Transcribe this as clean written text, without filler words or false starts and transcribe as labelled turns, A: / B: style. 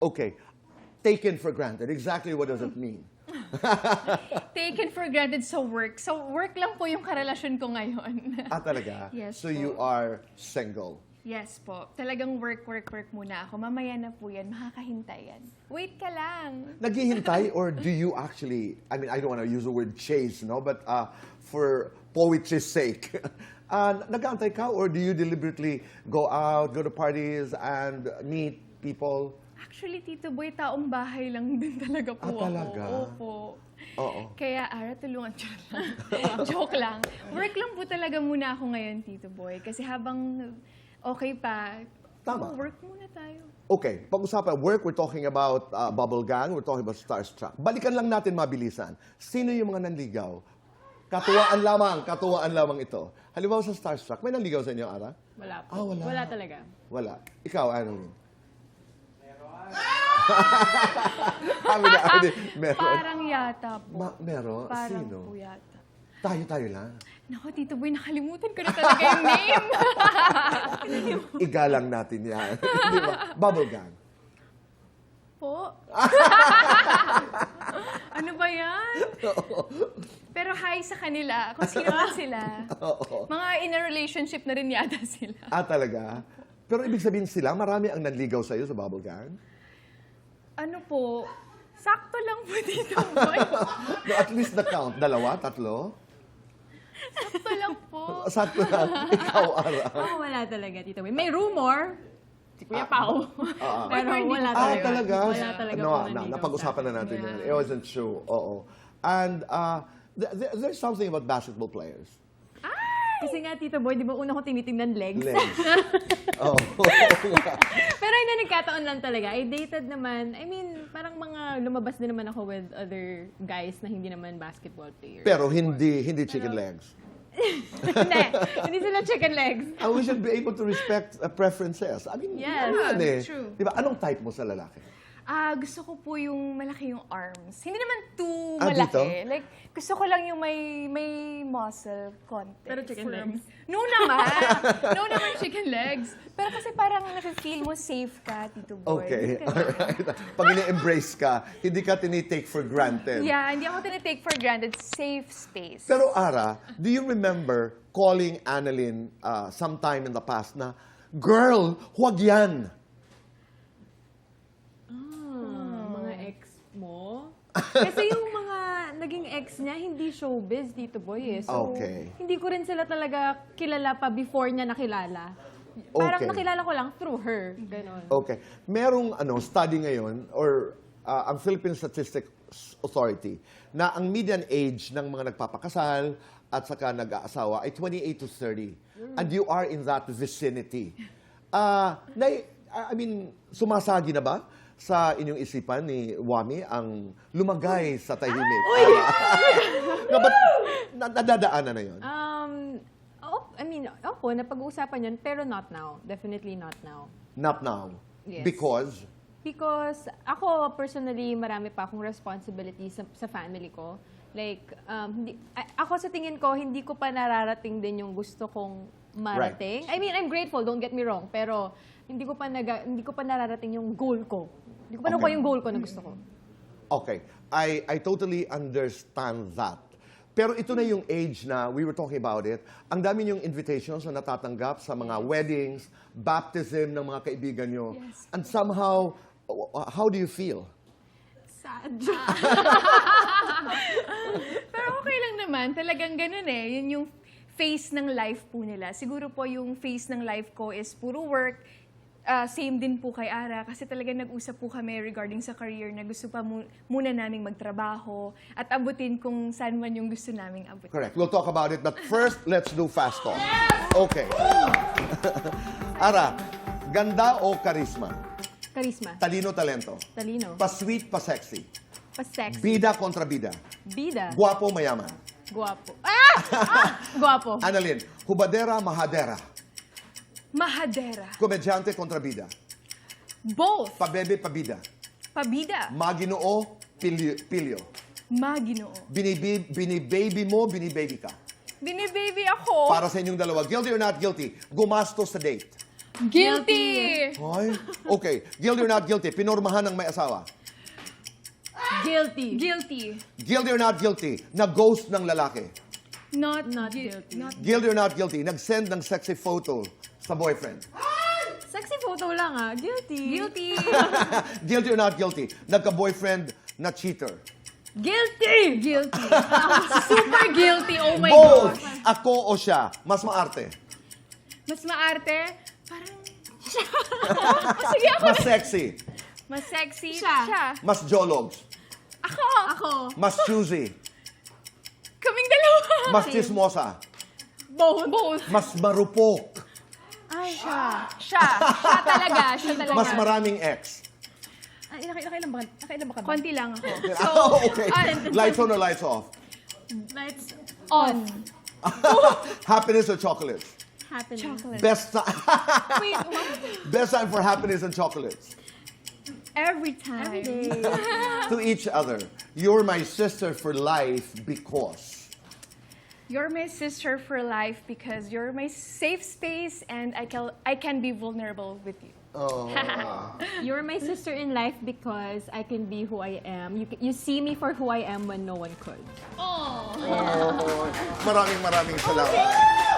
A: Okay. Taken for granted. Exactly what does it mean?
B: Taken for granted sa work. So, work lang po yung karelasyon ko ngayon.
A: Talaga?
B: Yes
A: So
B: po.
A: you are single?
B: Yes po. Talagang work muna ako. Mamaya na po yan. Makakahintay yan. Wait ka lang.
A: Naghihintay or do you actually, I mean, I don't want to use the word chase, no? But for poetry's sake, nag-aantay ka or do you deliberately go out, go to parties and meet people?
B: Actually, Tito Boy, taong bahay lang din talaga po ako.
A: Talaga?
B: Opo.
A: Oo.
B: Kaya, Ara, tulungan siya lang. Joke lang. Work lang po talaga muna ako ngayon, Tito Boy. Kasi habang okay pa,
A: Tama.
B: work muna tayo.
A: Okay, pag-usapan, work, we're talking about Bubble Gang, we're talking about Starstruck. Balikan lang natin mabilisan. Sino yung mga nanligaw? Katuwaan lamang ito. Halimbawa sa Starstruck, may nanligaw sa inyo, Ara?
C: Wala po.
A: Wala.
C: Wala talaga.
A: Wala. Ikaw, ano? Meron.
B: Parang yata po.
A: Meron?
B: Parang
A: Sino?
B: po yata.
A: Tayo lang.
B: Naku, Tito Boy, nakalimutan ko na talaga yung name.
A: Igalang natin yan. Di ba? Bubble Gang.
B: Po? Ano ba yan? Pero hi sa kanila. Kung sino man sila. Mga in a relationship na rin yata sila.
A: Talaga? Pero ibig sabihin sila, marami ang nanligaw sa'yo sa Bubble Gang?
B: Ano po? Sakto lang po, Tito Boy.
A: No, at least the count. 2, 3?
B: Sakto lang po.
A: Sakto lang. Ikaw, Ara.
C: Wala talaga, Tito Boy. May rumor, si Kuya Pao. Pero wala talaga.
A: Talaga?
C: Wala talaga po nanligaw
A: napag-usapan na natin yan. It wasn't true. Oo. And there's something about basketball players.
C: Kasi nga, Tito Boy, di ba una ko tinitingnan legs?
A: Legs. Oo.
C: Pero hindi, nagkataon lang talaga. I dated naman, I mean, parang mga lumabas din naman ako with other guys na hindi naman basketball players.
A: Pero hindi chicken legs.
C: Hindi sila chicken legs.
A: And we should be able to respect preferences. I mean,
C: Yes.
A: yan eh.
B: True.
A: Diba? Anong type mo sa lalaki?
B: Gusto ko po yung malaki yung arms. Hindi naman too
A: Dito?
B: malaki. Like, gusto ko lang yung may muscle content.
C: Pero chicken legs?
B: No naman. No naman chicken legs. Pero kasi parang nafe-feel mo safe ka, Tito Boy.
A: Okay.
B: Ganun.
A: Alright. Pag ini-embrace ka, hindi ka tinitake for granted.
B: Yeah, hindi ako tinitake for granted. Safe space.
A: Pero Ara, do you remember calling Annalyn sometime in the past na, girl, huwag yan.
C: Mga ex mo? Kasi yung mga naging ex niya, hindi showbiz, Tito Boy eh. So,
A: Okay.
C: hindi ko rin sila talaga kilala pa before niya nakilala. Parang
A: Okay.
C: nakilala ko lang through her. Ganon.
A: Okay. Merong study ngayon, or ang Philippine Statistics Authority, na ang median age ng mga nagpapakasal at saka nag-aasawa ay 28 to 30. And you are in that vicinity. I mean, sumasagi na ba sa inyong isipan ni Wami ang lumagay sa tahimik? No, but nadadaanan na yun.
C: I mean, opo, napag-uusapan yun, pero not now. Definitely not now.
A: Not now.
C: Yes.
A: Because?
C: Because ako, personally, marami pa akong responsibility sa family ko. Like, ako sa tingin ko, hindi ko pa nararating din yung gusto kong marating. I mean, I'm grateful, don't get me wrong, pero hindi ko pa nararating yung goal ko. Hindi ko pa nakuha yung goal ko na gusto ko.
A: Okay. I totally understand that. Pero ito na yung age na, we were talking about it, ang dami yung invitations na natatanggap sa mga weddings, baptism ng mga kaibigan nyo.
B: Yes.
A: And somehow, how do you feel?
C: Sad.
B: Pero okay lang naman. Talagang ganun eh. Yun yung phase ng life po nila. Siguro po yung phase ng life ko is puro work. Same din po kay Ara kasi talaga nag-usap po kami regarding sa career na gusto pa muna naming magtrabaho at abutin kung saan man yung gusto naming abutin.
A: Correct. We'll talk about it. But first, let's do fast talk. Okay. Ara, ganda o karisma?
C: Karisma.
A: Talino, talento?
C: Talino.
A: Pa-sweet, pa-sexy?
C: Pa-sex.
A: Bida kontra bida?
C: Bida.
A: Guwapo, mayaman?
C: Guwapo. Guwapo.
A: Annalyn, hubadera, mahadera?
B: Mahadera.
A: Komedyante kontra bida?
B: Both.
A: Pabebe, pabida?
B: Pabida.
A: Maginoo, pilyo?
B: Maginoo.
A: Binibaby mo, binibaby ka?
B: Binibaby ako.
A: Para sa inyong dalawa, guilty or not guilty, gumastos sa date?
B: Guilty!
A: Ay, okay. Guilty or not guilty? Pinormahan ng may asawa.
C: Guilty.
B: Guilty.
A: Guilty or not guilty? Na-ghost ng lalaki.
B: Not
C: guilty.
A: Guilty or not guilty? Nag-send ng sexy photo sa boyfriend.
C: Sexy photo lang ah. Guilty.
B: Guilty.
A: Guilty or not guilty? Nagka-boyfriend na cheater.
C: Guilty!
B: Guilty. Super guilty. Oh my
A: Both!
B: gosh.
A: Ako o siya? Mas maarte?
B: Mas maarte. Parang... Sige ako.
A: Mas sexy?
B: Mas sexy.
C: Siya.
A: Mas jologs?
B: Ako.
C: Ako.
A: Mas choosy?
B: Kaming dalawa.
A: Mas chismosa?
B: Both.
A: Mas marupok?
C: Ay, siya.
B: Siya talaga. Siya talaga.
A: Mas maraming ex?
C: Ay, nakailan ba ka ba?
B: Konti lang ako.
A: Oh, okay. Lights on or lights off?
C: Lights
B: On.
A: Happiness or chocolates?
C: happening.
B: Chocolate.
A: Best time.
B: Wait,
A: Best time for happiness and chocolates.
B: every time.
C: Every day.
A: To each other. You're my sister for life because.
B: You're my sister for life because you're my safe space and I can be vulnerable with you.
A: Oh.
C: You're my sister in life because I can be who I am. You see me for who I am when no one could.
B: Oh.
A: Maraming salamat.